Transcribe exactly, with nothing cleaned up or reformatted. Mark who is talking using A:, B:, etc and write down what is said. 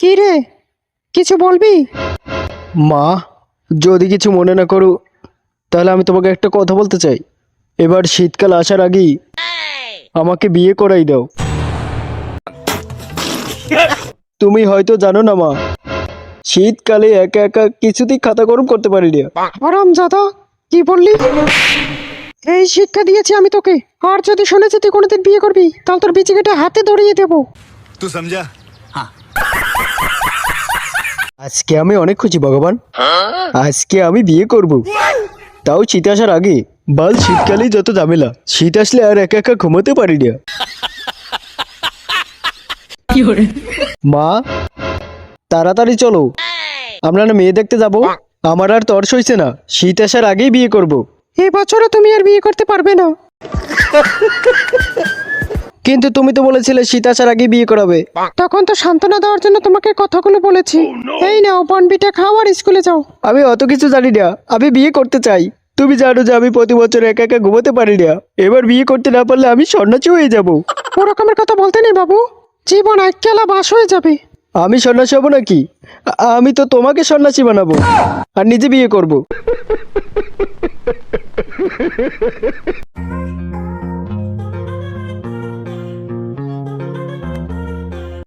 A: কি রে, কিছু বলবি?
B: মা, যদি কিছু মনে না করো তাহলে আমি তোমাকে একটা কথা বলতে চাই। এবার শীতকাল আসার আগেই আমাকে বিয়ে করাই দাও। তুমি হয়তো জানো না মা, শীতকালে একা একা কিছুতেই খাতা গরম করতে পারি না।
A: হারামজাদা, কি বললি? এই শিক্ষা দিয়েছি আমি তোকে, আর যদি শুনেছি তুই কোনোদিন বিয়ে করবি তাহলে তোর বিচি কেটে হাতে ধরিয়ে দেবো।
C: तू समझा?
B: আজকে আমি অনেক খুশি ভগবান, আজকে আমি বিয়ে করব, তাও শীত আসার আগে। বাল শীতকালেই যত ঝামেলা, শীত আসলে আর একা একা ঘুমোতে পারি না। মা, তাড়াতাড়ি চলো, আমরা না মেয়ে দেখতে যাব। আমার আর তর্স হইছে না, শীত আসার আগেই বিয়ে করব।
A: এই বছরও তুমি আর বিয়ে করতে পারবে না।
B: কিন্তু তুমি তো বলেছিলে শীত আসার আগেই বিয়ে করাবে।
A: তখন তো সান্ত্বনা দেওয়ার জন্য তোমাকে কথাগুলো বলেছি। এই নাও বনবিটা খাও আর স্কুলে যাও।
B: আমি অত কিছু জানি না, আমি বিয়ে করতে চাই। তুমি জানো যে আমি প্রতি বছর একা একা ঘুমোতে পারি না, এবার বিয়ে করতে না পারলে আমি সন্ন্যাসী হয়ে যাব।
A: ওরকমের কথা বলতে নেই বাবু, জীবন এককেলা বাস হয়ে যাবে।
B: আমি সন্ন্যাসী হব নাকি? আ- আমি তো তোমাকে সন্ন্যাসী বানাবো আর নিজে বিয়ে করব।